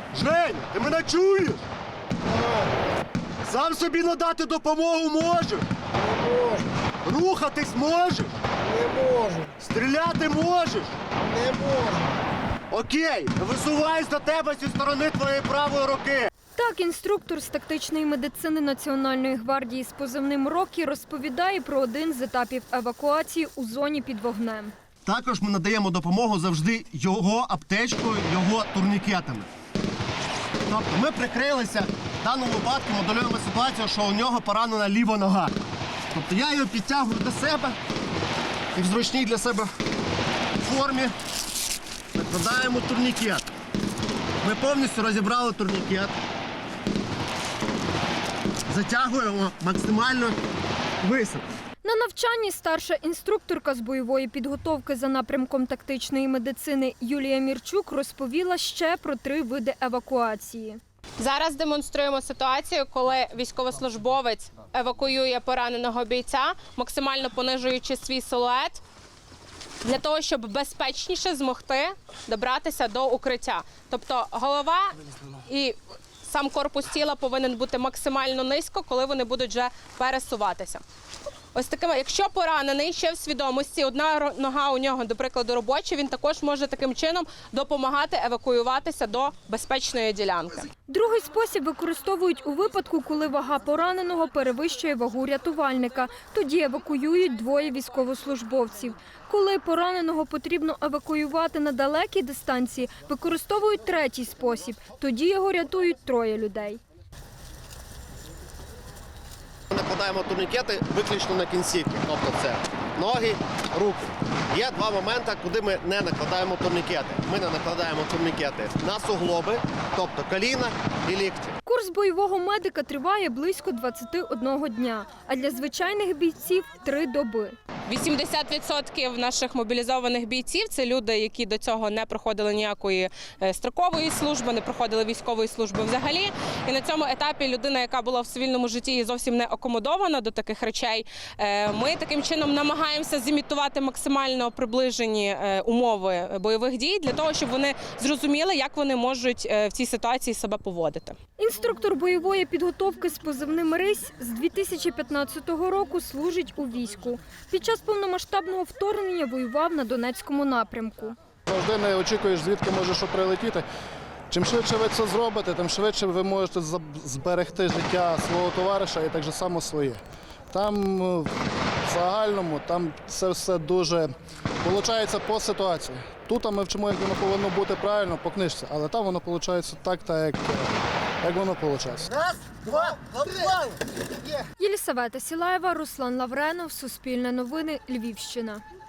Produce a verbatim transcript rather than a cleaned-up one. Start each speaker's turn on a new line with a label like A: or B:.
A: Жень, ти мене чуєш? Сам собі надати допомогу можеш?
B: Не можу,
A: Рухатись можеш?
B: не можу,
A: Стріляти можеш?
B: не можу.
A: Окей, висуваюсь до тебе зі сторони твоєї правої руки.
C: Так, інструктор з тактичної медицини Національної гвардії з позивним «Рокі» розповідає про один з етапів евакуації у зоні під вогнем.
A: Також ми надаємо допомогу завжди його аптечкою, його турнікетами. Тобто ми прикрилися, в даному випадку моделюємо ситуацію, що у нього поранена ліва нога. Тобто я його підтягую до себе і в зручній для себе формі накладаємо турнікет. Ми повністю розібрали турнікет, затягуємо максимально високо.
C: На навчанні старша інструкторка з бойової підготовки за напрямком тактичної медицини Юлія Мірчук розповіла ще про три види евакуації.
D: Зараз демонструємо ситуацію, коли військовослужбовець евакуює пораненого бійця, максимально понижуючи свій силует, для того, щоб безпечніше змогти добратися до укриття. Тобто голова і сам корпус тіла повинен бути максимально низько, коли вони будуть вже пересуватися. Ось такими, якщо поранений ще в свідомості, одна нога у нього, до прикладу, робоча, він також може таким чином допомагати евакуюватися до безпечної ділянки.
C: Другий спосіб використовують у випадку, коли вага пораненого перевищує вагу рятувальника. Тоді евакуюють двоє військовослужбовців. Коли пораненого потрібно евакуювати на далекій дистанції, використовують третій спосіб. Тоді його рятують троє людей.
A: Накладаємо турнікети виключно на кінцівки, тобто це ноги, руки. Є два моменти, куди ми не накладаємо турнікети. Ми не накладаємо турнікети на суглоби, тобто коліна і лікті.
C: Курс бойового медика триває близько двадцяти одного дня, а для звичайних бійців – три доби.
D: вісімдесят відсотків наших мобілізованих бійців – це люди, які до цього не проходили ніякої строкової служби, не проходили військової служби взагалі. І на цьому етапі людина, яка була в цивільному житті і зовсім не акомодована до таких речей, ми таким чином намагаємося зімітувати максимально приближені умови бойових дій для того, щоб вони зрозуміли, як вони можуть в цій ситуації себе поводити.
C: Інструктор бойової підготовки з позивним «Рись» з дві тисячі п'ятнадцятого року служить у війську. Під час повномасштабного вторгнення воював на Донецькому напрямку.
E: Завжди не очікуєш, звідки може що прилетіти. Чим швидше ви це зробите, тим швидше ви можете зберегти життя свого товариша і так же само своє. Там в загальному там це все дуже виходить по ситуації. Тут ми вчимо, як воно повинно бути правильно по книжці, але там воно виходить так, так як, як воно виходить.
A: Раз, два, три.
C: Єлісавета Сілаєва, Руслан Лавренов, Суспільне новини, Львівщина.